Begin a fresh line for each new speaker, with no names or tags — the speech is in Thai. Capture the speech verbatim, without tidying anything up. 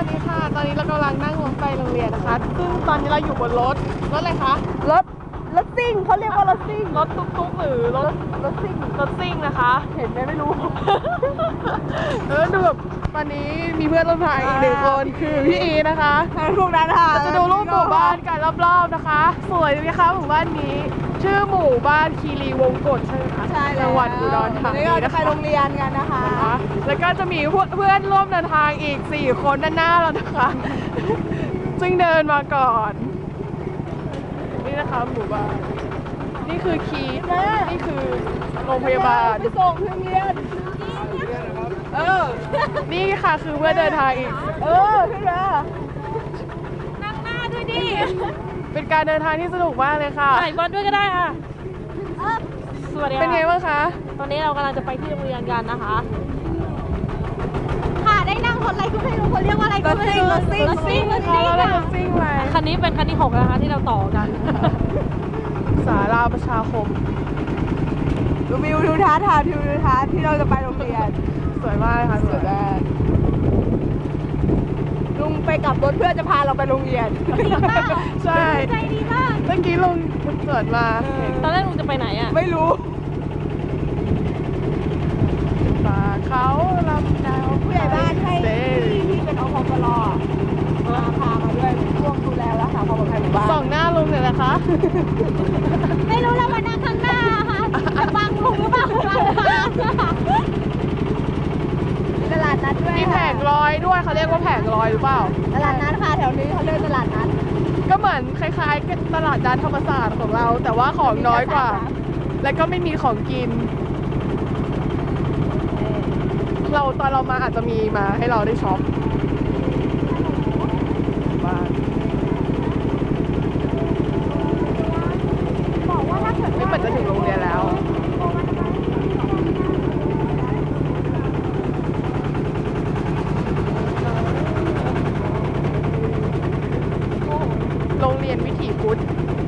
สวัสดีค่ะตอนนี้เรากำลังนั่งรถไปโรงเรียนนะคะซึ่งตอนนี้เราอยู่บนรถรถอะไรคะ
รถรถซิ่งเขาเรียกว่ารถซิ่ง
รถตุ๊กๆหรือรถ
รถซิ่ง
รถซิ่งนะคะ
เห็นไหมไม่รู้
เออดูแบบตอนนี้มีเพื่อนร่วมทางอีกหนึ่งคนคือพี่อีนะคะ
พวกนั้นค่ะ
เราจะดูรูปหมู่บ้านกันรอบๆนะคะสวยไหมคะหมู่บ้านนี้ชื่อหมู่บ้านคีรีวงกฏใช่ไหมคะ
ใช่แล้ว
จังหวัดอุดรธานี
เราจะ
นะ
ไป
คะ
โรงเรียนกันนะคะ
แล้วก็จะมีเพื่อนร่วมเดินทางอีกสี่คนด้านหน้าเรานะคะซึ่งเดินมาก่อนนี่นะคะหมู่บ้านนี่คือคีย์นี่คือโรงพยาบาล
ไปส่งโรงเรียนเออ
นี่ค่ะคือเพื่อนเดินทางอีก
เออขึ้นมา
นั่งหน้าด้วยดิ
เป็นการเดินทางที่สนุกมากเลยค่ะ
ถ่ายบอลด้วยก็ได้ค่ะสวัสดี
เป็นไง
ค่ะ
บ้างคะ
ตอนนี้เรากำลังจะไปที่โรงเรียนกันนะคะ
ค่ะได้นั่งรถอะไรก็ไม่รู้เขาเรียกว่าอะไรก็ไม่รู้รถซิ่ง
รถซิ่งรถซิ่ง
เราได้รถซิ่งไป
คันนี้เป็นคันที่หกนะคะที่เราต่อกัน
สาราประชาคม
ดูวิวทิวทัศน์ค่ะทิวทัศน์ที่เราจะไปโรงเรียน
สวยมากเลยค่ะสวยมาก
ลุงไปกับรถเพื่อจะพาเราไปโรงเรียน
ใช่
ใจดีมาก
เมื่อกี้ลุงสวนมา
ตอนแรกลุงจะไปไหนอ่ะ
ไม่รู้
ป่าเขาลำดาว
ผู้ใหญ่บ้านให้
เซ
ที่ที่เป็นอพปลมาพามาด้วยช่วงดูแลรักษาความปลอดภัยหมู่บ้าน
ส่องหน้าลุงเลยนะคะ
ไม่รู้เรามานั่งข้างหน้าค่ะจะบังลุงหรือเปล่าบังทางค่ะ
ตลาดนัดด้วย
มีแผงลอยด้วยเขาเรียกว่าแผงลอยหรือเปล่า
ตลาดนัดค่ะแถวนี้เขาเรียกตลาดนัด
ก็เหมือนคล้ายๆกับตลาดนัดธรรมศาสตร์ของเรา แต่ว่าของน้อยกว่า และก็ไม่มีของกิน เราตอนเรามาอาจจะมีมาให้เราได้ช็อปบ้าง
บอกว่าถ้าเกิด
นี่เหมือนจะถึงโรงเรียนแล้ว โรงเรียนวิถีพุทธ